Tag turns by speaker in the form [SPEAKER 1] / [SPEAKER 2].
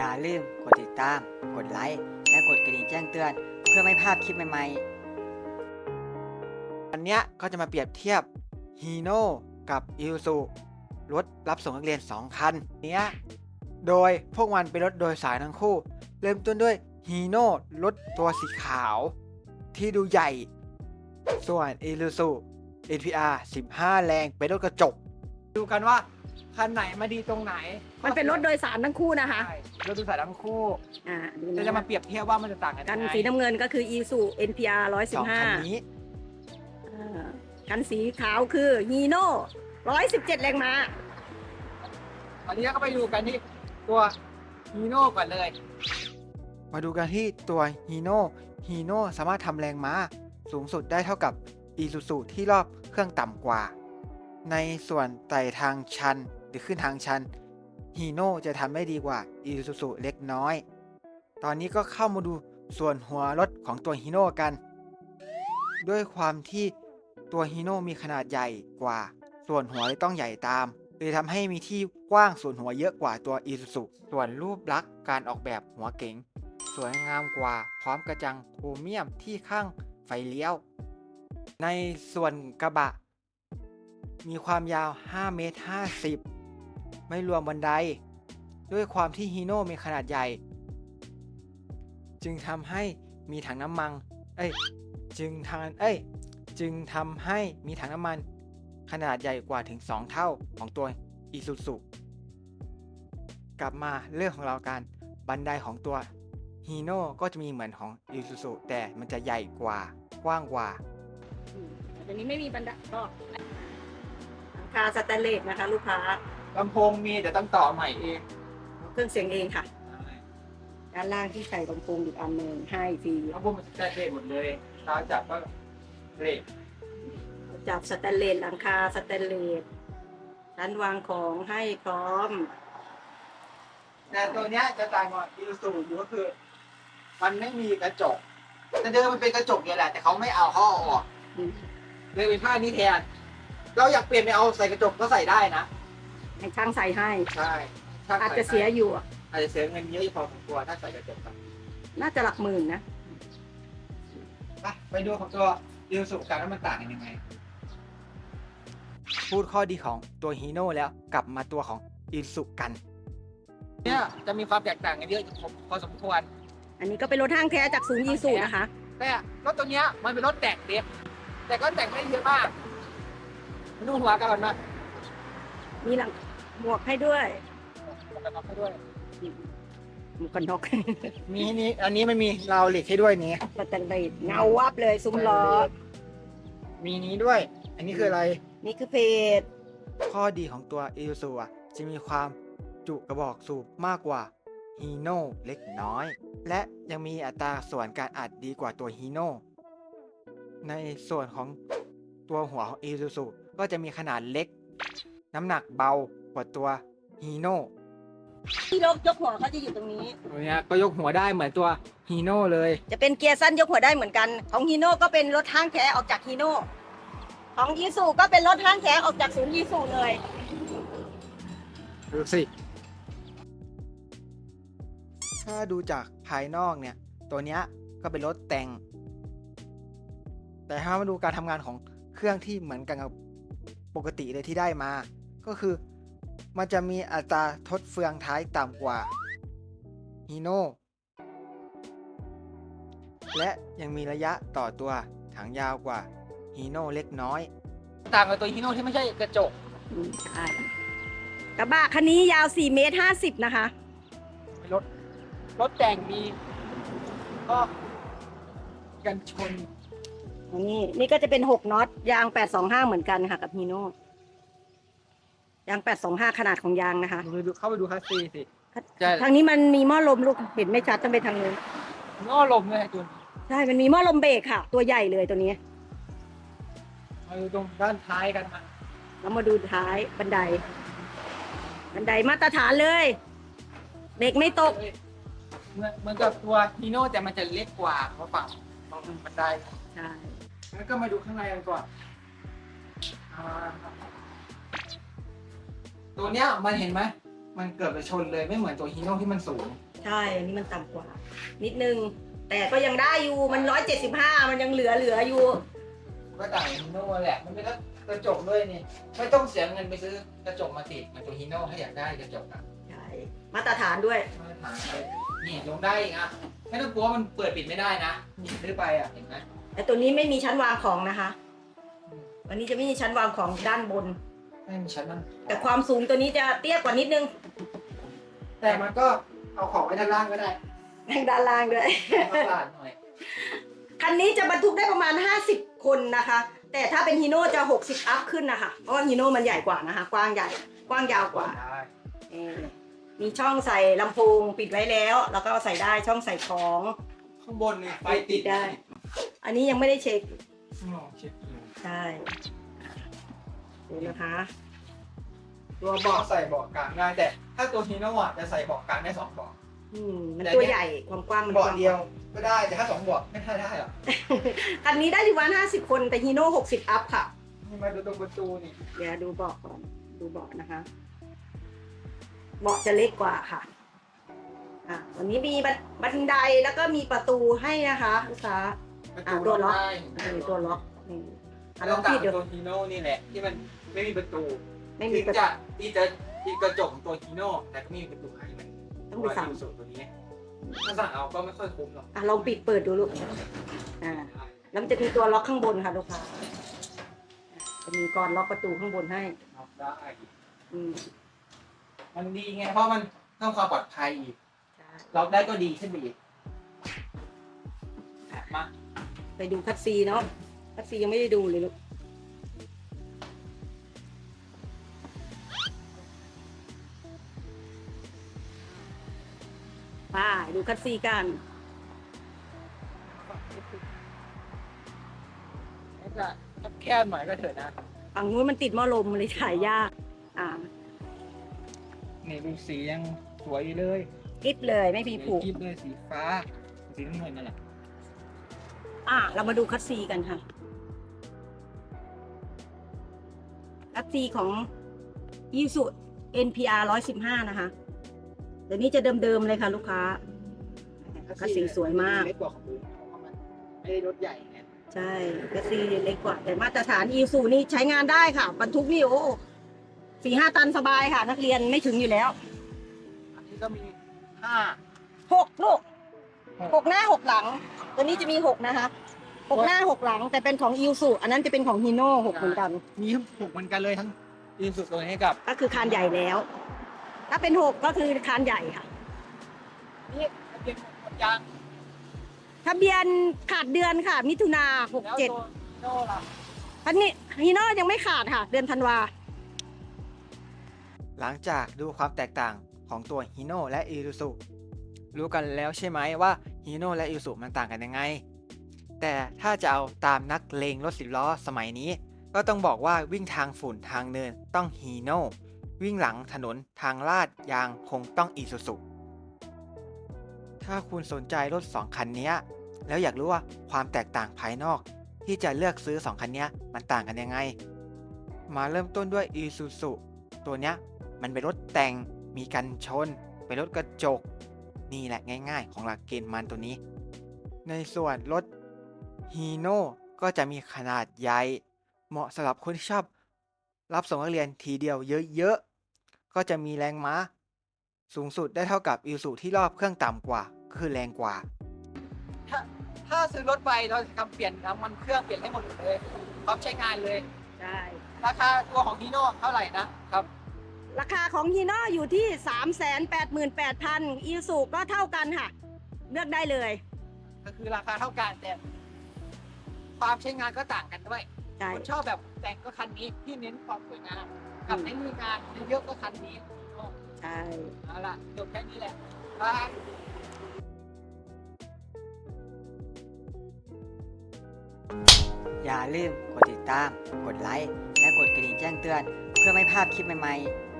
[SPEAKER 1] อย่าลืมกดติดตาม กดไลค์ และกดกระดิ่งแจ้งเตือน เพื่อไม่พลาดคลิปใหม่ๆวันนี้ก็จะมาเปรียบเทียบฮีโน่กับอิซูซุรถรับส่งนักเรียน 2 คันโดยพวกมันเป็นรถโดยสารทั้งคู่ เริ่มต้นด้วยฮีโน่รถตัวสีขาวที่ดูใหญ่ ส่วนอิซูซุ NPR 15 แรงเป็นรถกระจกดูกันว่าคันไหนมาดีตรงไหน
[SPEAKER 2] มันเป็นรถโดยสารทั้งคู่นะคะ
[SPEAKER 1] ใช่รถโดยสารทั้งคู่
[SPEAKER 2] ดูนะ
[SPEAKER 1] จะมาเปรียบเทียบว่ามันจะต่างกัน
[SPEAKER 2] กัน
[SPEAKER 1] ยังไง
[SPEAKER 2] สีน้ำเงินก็คือ Isuzu NPR
[SPEAKER 1] สองคันนี้
[SPEAKER 2] 115กันสีขาวคือ Hino 117 แรงม้า
[SPEAKER 1] ตอนนี้ก็ไปดูกันที่ตัวฮีโน่ก่อนเลย มาดูกันที่ตัวฮีโน่สามารถทำแรงม้าสูงสุดได้เท่ากับอีซูซูที่รอบเครื่องต่ำกว่า ในส่วนไต่ทางชันหรือขึ้นทางชันฮีโน่จะทำได้ดีกว่าอีซูซูเล็กน้อย ตอนนี้ก็เข้ามาดูส่วนหัวรถของตัวฮีโน่กัน ด้วยความที่ตัวฮีโน่มีขนาดใหญ่กว่า ส่วนหัวเลยต้องใหญ่ตามเลยทำให้มีที่กว้างส่วนหัวเยอะกว่าตัวอีซูซุส่วนรูปลักษณ์การออกแบบหัวเก๋งสวยงามกว่าพร้อมกระจังโครเมียมที่ข้างไฟเลี้ยว ในส่วนกระบะมีความยาว5 เมตร 50 ไม่รวมบันได ด้วยความที่ฮีโน่มีขนาดใหญ่ จึงทำให้มีถังน้ำมันจึงทำให้มีถังน้ำมันขนาดใหญ่กว่าถึง2 เท่าของตัวอีซูซุกลับมาเรื่องของเรากันบันไดของตัวฮีโน่ก็จะมีเหมือนของอีซูซุแต่มันจะใหญ่กว่ากว้างกว่า
[SPEAKER 2] ตัวนี้ไม่มีบันไดก็หลังคาสแตนเลสนะคะลูกค้า
[SPEAKER 1] ลำโพงมีแต่ต้องต่อใหม่เอง
[SPEAKER 2] เครื่องเสียงเองค่ะ ด้านล่างที่ใส่ลำโพงอีกอันหนึ่งให้ฟรี
[SPEAKER 1] ลำโพงมันจะเละหมดเลยตาจับก็เละ
[SPEAKER 2] จับสแตนเลสหลังคาสแตนเลสชั้นวางของให้พร้อม
[SPEAKER 1] แต่ตัวเนี้ยจะต่างกับอีซูซุอยู่ก็คือ มันไม่มีกระจกแต่เดิมมันเป็นกระจกเนี่ยแหละแต่เขาไม่เอาเขาเอาออกเลยเป็นผ้านี้แทนเราอยากเปลี่ยนไปเอาใส่กระจกก็ใส่ได้นะ
[SPEAKER 2] ให้ช่างใส่ให้
[SPEAKER 1] ใช่ช่ง
[SPEAKER 2] อาจ
[SPEAKER 1] ใส่
[SPEAKER 2] จะเสียอยู่
[SPEAKER 1] อาจจะเสียเงินเยอะพอสมควรถ้าใส่กระจกไป
[SPEAKER 2] น่าจะหลักหมื่นนะ
[SPEAKER 1] ไปดูของตัวอีซูซุกันว่ามันต่างกันยังไง พูดข้อดีของตัวฮีโน่แล้วกลับมาตัวของอีซูซุกันเนี่ยจะมีความแตกต่างกันเยอะพอสมควร
[SPEAKER 2] อันนี้ก็เป็นรถห้างแท้จากศูนย์ยีสูนะคะ
[SPEAKER 1] แต่รถตัวเนี้ยมันเป็นรถแต่งเด็กแต่ก็แต่งไม่เยอะมากมาดูหัวกันก่อนมา
[SPEAKER 2] มีหลังหมวกให้ด้วย
[SPEAKER 1] หมวกกันน็อกให้ด้วย
[SPEAKER 2] หมวกกันน็อก
[SPEAKER 1] มีนี้อันนี้ไม่มีราวเหล็กให้ด้วยนี้
[SPEAKER 2] สแตนเลสเงาวับเลยซุ้มล้อ
[SPEAKER 1] มีนี้ด้วย อันนี้คืออะไร
[SPEAKER 2] นี่คือเพจ
[SPEAKER 1] ข้อดีของตัวอีซูซุจะมีความจุกระบอกสูบมากกว่าฮีโน่เล็กน้อย และยังมีอัตราส่วนการอัดดีกว่าตัวฮีโน่ในส่วนของตัวหัวของอีซูซุก็จะมีขนาดเล็ก น้ำหนักเบากว่าตัวฮีโน่
[SPEAKER 2] ที่ยกหัวเขาจะอยู่ตรงนี้
[SPEAKER 1] ตัวเนี้ยก็ยกหัวได้เหมือนตัวฮีโน่เลย
[SPEAKER 2] จะเป็นเกียร์สั้นยกหัวได้เหมือนกัน ของฮีโน่ก็เป็นรถห้างแท้ออกจากฮีโน่ของยีสูก็เป็นรถห้างแท้ออกจากศูนย์ยีสูเลย
[SPEAKER 1] ดูสิ ถ้าดูจากภายนอกเนี่ย ตัวเนี้ยก็เป็นรถแต่ง แต่ถ้ามาดูการทำงานของเครื่องที่เหมือนกันกับปกติเลยที่ได้มา ก็คือมันจะมีอัตราทดเฟืองท้ายต่ำกว่าฮีโน่และยังมีระยะต่อตัวถังยาวกว่าฮีโน่เล็กน้อย ต่างกับตัวฮีโน่ที่ไม่ใช่กระจก
[SPEAKER 2] ใช่กระบะคันนี้ยาว4 เมตร 50 นะคะ
[SPEAKER 1] รถแต่งมีก็กันชน
[SPEAKER 2] นี่ก็จะเป็น6น็อตยาง825เหมือนกันค่ะกับฮีโน่ยาง825ขนาดของยางนะคะ
[SPEAKER 1] เข้าไปดูคัสซีสิ
[SPEAKER 2] ทางนี้มันมีหม้อลมลูกเห็นไม่ชัดต้องไปทางนู้น
[SPEAKER 1] ง้อลมเลยจุน
[SPEAKER 2] ใช่มันมีหม้อลมเบรกค่ะ ตัวใหญ่เลยตัวนี้
[SPEAKER 1] มาดูตรงด้านท้ายกันมา
[SPEAKER 2] แล้วมาดูท้ายบันไดมาตรฐานเลยเบรกไม่ตก
[SPEAKER 1] เหมือนกับตัวฮีโน่แต่มันจะเล็กกว่าเพราะฝั่งตรงบันได
[SPEAKER 2] ใช่
[SPEAKER 1] แล้วก็มาดูข้างในกันก่อนตัวเนี้ยมันเห็นไหมมันเกือบจะชนเลยไม่เหมือนตัวฮีโน่ที่มันสูง
[SPEAKER 2] ใช่อันนี้มันต่ำกว่า นิดนึง แต่ก็ยังได้อยู่มัน175มันยังเหลืออยู่
[SPEAKER 1] ก็ต่างฮีโน่แหละมันเป็นกระจกด้วยนี่ไม่ต้องเสียเงินไปซื้อกระจกมาติดเหมันตัวฮีโน่ถ้าอยากได้กระจกอะ
[SPEAKER 2] ใช่ มาตรฐานด้วย
[SPEAKER 1] มาตรฐานเลยนี่ลงได้อีกอ่ะไม่ต้องกลัวมันเปิดปิดไม่ได้นะหยิบได้ไปอ่ะเห็นไหม
[SPEAKER 2] แต่ตัวนี้ไม่มีชั้นวางของนะคะ วันนี้จะไม่มีชั้นวางของด้านบน
[SPEAKER 1] ไม่มีชั้นนั่ง
[SPEAKER 2] แต่ความสูงตัวนี้จะเตี้ยกว่านิดนึง
[SPEAKER 1] แต่มันก็เอาของไว้ด้านล่างก็ได้
[SPEAKER 2] ทางด้านล่างด้วย
[SPEAKER 1] มาตลาดหน่อย
[SPEAKER 2] คันนี้จะบรรทุกได้ประมาณ50 คนนะคะ แต่ถ้าเป็นฮีโน่จะ60อัพขึ้นนะคะ เพราะว่าฮีโน่มันใหญ่กว่านะคะ กว้างใหญ่ กว้างยาวกว่า
[SPEAKER 1] ได้
[SPEAKER 2] มีช่องใส่ลำโพงปิดไว้แล้ว แล้วก็ใส่ได้ช่องใส่ของ
[SPEAKER 1] ข้างบนนี่ไฟติด
[SPEAKER 2] ได้ อันนี้ยังไม่ได้เช็ค
[SPEAKER 1] ลองเช็คดู
[SPEAKER 2] ใช่ดูนะคะ
[SPEAKER 1] ตัวเบาะใส่เบาะกลางได้แต่ถ้าตัวฮีโน่อ่ะจะใส่เบาะกลางได้2 เบาะ
[SPEAKER 2] มันตัวใหญ่ความกว้างมัน
[SPEAKER 1] เบาะเดียวก็ได้แต่ถ้า2 เบาะไม่ค่อยได้หรอก
[SPEAKER 2] คันนี้ได้อยู่ประมาณ50 คนแต่ฮีโน่60อัพค่ะ
[SPEAKER 1] นี่มาดูตรงประตูนี่
[SPEAKER 2] เดี๋ยวดูเบาะก่อน ดูเบาะนะคะ เบาะจะเล็กกว่าค่ะวันนี้มีบันไดแล้วก็มีประตูให้นะคะลูกค้า
[SPEAKER 1] ประตู
[SPEAKER 2] ตัวล็อก
[SPEAKER 1] ได้
[SPEAKER 2] ตัวล็อกนี่ล
[SPEAKER 1] แล้
[SPEAKER 2] อ
[SPEAKER 1] ว
[SPEAKER 2] ง
[SPEAKER 1] ต่า
[SPEAKER 2] ปิ
[SPEAKER 1] ง
[SPEAKER 2] ดดู
[SPEAKER 1] ตัวฮีโน่นี่แหละที่มันไม่มีประตู
[SPEAKER 2] ไม่มี
[SPEAKER 1] ถึง
[SPEAKER 2] ประตู
[SPEAKER 1] จะที่กระจกของตัวฮีโน่แต่ก็ไม่มีประตูให้มัน
[SPEAKER 2] ต้องไปสั่ง
[SPEAKER 1] สูตรตัวนี้ถ้าสั่งเอาก็ไม่ค่อยคุ้มหรอก
[SPEAKER 2] ลองปิดเปิดดูลูกแล้วมันจะมีตัวล็อกข้างบนค่ะลูกค้าจะมีกรล็อกประตูข้างบนให้
[SPEAKER 1] ล็อกได้
[SPEAKER 2] อืม
[SPEAKER 1] มันดีไงเพราะมันเพิ่มความปลอดภัยอีก
[SPEAKER 2] ใช่
[SPEAKER 1] ล็อกได้ก็ดีขึ้นไปอีกมา
[SPEAKER 2] ไปดูคัตซีเนาะคัตซียังไม่ได้ดูเลยลูกไปดูคัตซีกัน
[SPEAKER 1] จะแคบหน่อยก็เถอะนะ
[SPEAKER 2] ฝั่งนู้นมันติดหม้อลมเลยถ่ายยาก
[SPEAKER 1] นี่ดูสียังสวยอยู่เลย
[SPEAKER 2] กริบเลยไม่มีผูก
[SPEAKER 1] คลิปเลยสีฟ้าสีน้ำเงินนั่นแหละ
[SPEAKER 2] เรามาดูคัตซีกันค่ะ คัตซีของ Isuzu NPR 115 นะคะเดี๋ยวนี้จะเดิมๆเลยค่ะลูกค้า คัตซีสวยมาก
[SPEAKER 1] เล็กกว่าของอื่นเพราะมันไม่ได้รถใหญ่ไง
[SPEAKER 2] ใช่คัตซีเล็กกว่า แต่มาตรฐาน Isuzu นี่ใช้งานได้ค่ะ บรรทุกนี่4-5 ตันสบายค่ะ นักเรียนไม่ถึงอยู่แล้ว
[SPEAKER 1] อันนี้ก็มี
[SPEAKER 2] 6 ลูก 6 หน้า 6 หลัง ตัวนี้จะมี 6 นะคะ 6 หน้า 6 หลัง แต่เป็นของ Isuzu อันนั้นจะเป็นของ Hino 6 เหมือนกัน
[SPEAKER 1] มีถูกเหมือนกันเลยทั้งอีสุดตัวนี้กับ
[SPEAKER 2] ก็คือคานใหญ่แล้ว ถ้าเป็น 6 ก็คือคานใหญ่ค่ะ
[SPEAKER 1] นี่เป็นหมดยาง
[SPEAKER 2] ทะเบียนขาดเดือนค่ะ มิถุนา
[SPEAKER 1] แล้วตัวโน่ล่ะ
[SPEAKER 2] 67อันนี้ Hino ยังไม่ขาดค่ะ เดือนธันวา
[SPEAKER 1] หลังจากดูความแตกต่างของตัวฮีโน่และอีซูซุรู้กันแล้วใช่ไหมว่าฮีโน่และอีซูซุมันต่างกันยังไง แต่ถ้าจะเอาตามนักเลงรถ10 ล้อสมัยนี้ ก็ต้องบอกว่าวิ่งทางฝุ่นทางเนินต้องฮีโน่วิ่งหลังถนนทางลาดยางคงต้องอีซูซุถ้าคุณสนใจรถ 2 คันนี้แล้วอยากรู้ว่าความแตกต่างภายนอก ที่จะเลือกซื้อ 2 คันนี้มันต่างกันยังไง มาเริ่มต้นด้วยอีซูซุตัวเนี้ยมันเป็นรถแต่งมีกันชนเป็นรถกระจกนี่แหละง่ายๆของหลักเกณฑ์มันตัวนี้ ในส่วนรถฮีโน่ก็จะมีขนาดใหญ่เหมาะสำหรับคนที่ชอบรับส่งนักเรียนทีเดียวเยอะๆก็จะมีแรงม้าสูงสุดได้เท่ากับอีซูซุที่รอบเครื่องต่ำกว่าคือแรงกว่าถ้าซื้อรถไปเราจะทำเปลี่ยนน้ำมันเครื่องเปลี่ยนให้หมดเลยพร้อมใช้งานเลย
[SPEAKER 2] ใช่
[SPEAKER 1] ราคาตัวของฮีโน่เท่าไหร่นะครับ
[SPEAKER 2] ราคาของ Hino อยู่ที่ 388,000 Isuzu ก็เท่ากันค่ะ เลือกได้เลย
[SPEAKER 1] ก็คือราคาเท่ากันแต่ความใช้งานก็ต่างกันด้วย
[SPEAKER 2] ใช่
[SPEAKER 1] คนชอบแบบแต่งก็คันนี้ที่เน้นความสวยงามกับในมืองานเยอะก็คันนี้
[SPEAKER 2] ใช่
[SPEAKER 1] เอาล่ะจบแค่นี้แหละบาย
[SPEAKER 3] อย่าลืมกดติดตาม กดไลค์ และกดกระดิ่งแจ้งเตือน เพื่อไม่พลาดคลิปใหม่ๆ